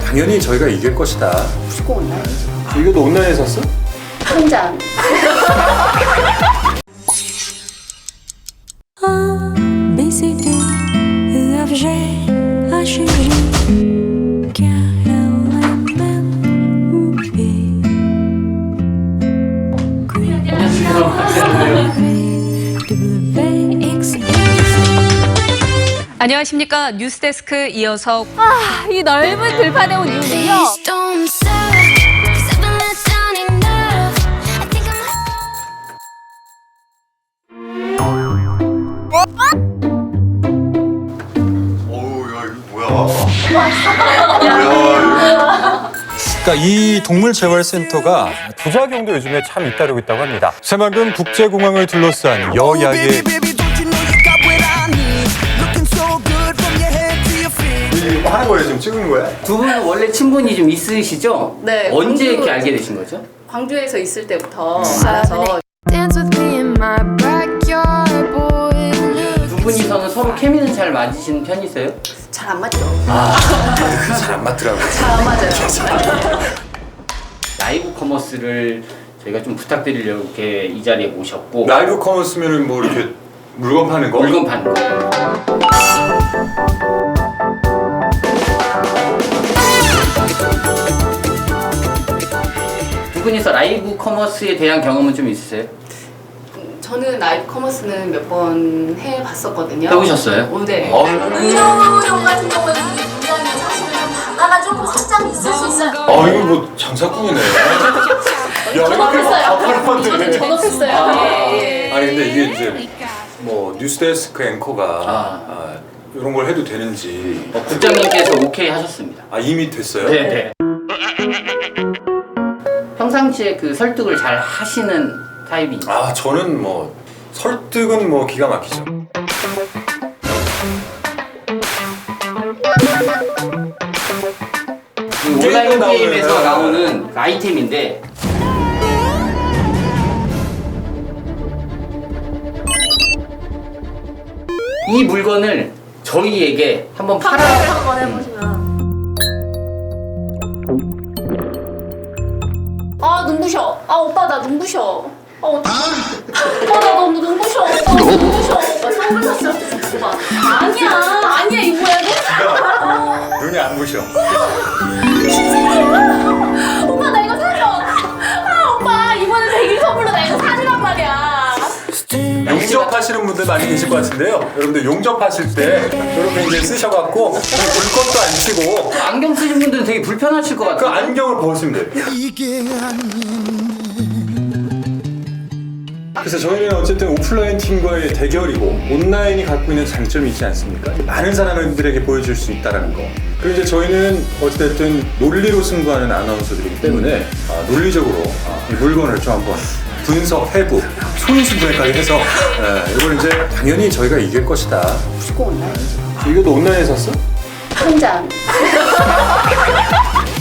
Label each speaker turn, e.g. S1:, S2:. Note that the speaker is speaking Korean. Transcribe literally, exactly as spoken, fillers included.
S1: 당연히 저희가 이길 것이다.
S2: 무조건 온라인이죠.
S1: 이거 너 온라인에 샀어?
S2: 통장.
S3: 안녕하십니까. 뉴스데스크 이어서
S4: 아, 이 넓은 들판에 온 이유는요.
S1: 어우, 야, 이거 뭐야? 뭐야,
S5: 그러니까 이 동물재활센터가 부작용도 요즘에 참 잇따르고 있다고 합니다. 새만금 국제공항을 둘러싼 여야의
S1: 이거 하는 거예요? 지금 찍은 거야?
S6: 두 분은 원래 친분이 좀 있으시죠?
S2: 네.
S6: 언제
S2: 광주-
S6: 이렇게 알게 되신 거죠?
S2: 광주에서 있을 때부터 알아서
S6: 두 분이서는 서로 케미는 잘 맞으시는 편이세요?
S2: 잘 안 맞죠?
S1: 잘 안 맞더라고요.
S2: 잘 안 맞아요.
S6: 라이브 커머스를 저희가 좀 부탁드리려고 이렇게 이 자리에 모셨고
S1: 라이브 커머스면은 뭐 이렇게 물건 파는 거?
S6: 물건 파는 거. 두 분이서 라이브 커머스에 대한 경험은 좀 있으세요?
S2: 저는 라이브 커머스는 몇 번 해봤었거든요.
S6: 해보셨어요?
S2: 어, 네.
S1: 어,
S7: 의료용 같은 경우는 굉장히 사실은 단가가 조금 확장이 있을 수 있어요.
S1: 아, 이거 뭐 장사꾼이네. 야, 이거
S2: 저는 전업했어요. 예, 예.
S1: 아니 근데 이게 이제 뭐 뉴스데스크 앵커가
S6: 아.
S1: 아, 이런 걸 해도 되는지
S6: 어, 국장님께서 오케이 하셨습니다.
S1: 아 이미 됐어요?
S6: 네네. 평상시에 그 설득을 잘 하시는 타입이
S1: 아 저는 뭐 설득은 뭐 기가 막히죠.
S6: 그 온라인
S1: 게임에
S6: 게임에서
S1: 나오는-
S6: 나오는 그 아이템인데 이 물건을 저희에게 한번 팔아
S7: 한번 해보시면. 아 눈부셔. 아 오빠 나 눈부셔. 아 어떡해. 오빠 나 너무 눈부셔. 오빠 눈부셔. 오빠 선글라스 오빠. 아니야 아니야 이거야 이거.
S1: 눈이 안 부셔.
S7: 오빠 나 이거 사줘. 아 오빠 이번에 백일 선물로 나 이거 사주란 말이야.
S1: 용접하시는 분들 많이 계실 것 같은데요. 여러분들 용접하실 때 이렇게 이제 쓰셔갖고 물건도 안 치고
S6: 안경 쓰신 분들은 되게 불편하실 것
S1: 그
S6: 같아요.
S1: 안경을 벗으면 돼요. 그래서 저희는 어쨌든 오프라인 팀과의 대결이고 온라인이 갖고 있는 장점이 있지 않습니까? 많은 사람들에게 보여줄 수 있다는 거. 그리고 이제 저희는 어쨌든 논리로 승부하는 아나운서들이기 때문에 아, 논리적으로 아, 이 물건을 좀 한번 분석, 해부, 손수분해까지 해서 예, 이걸 이제 당연히 저희가 이길 것이다.
S2: 무조건 온라인이죠.
S1: 이거 너 온라인에 샀어?
S2: 통장.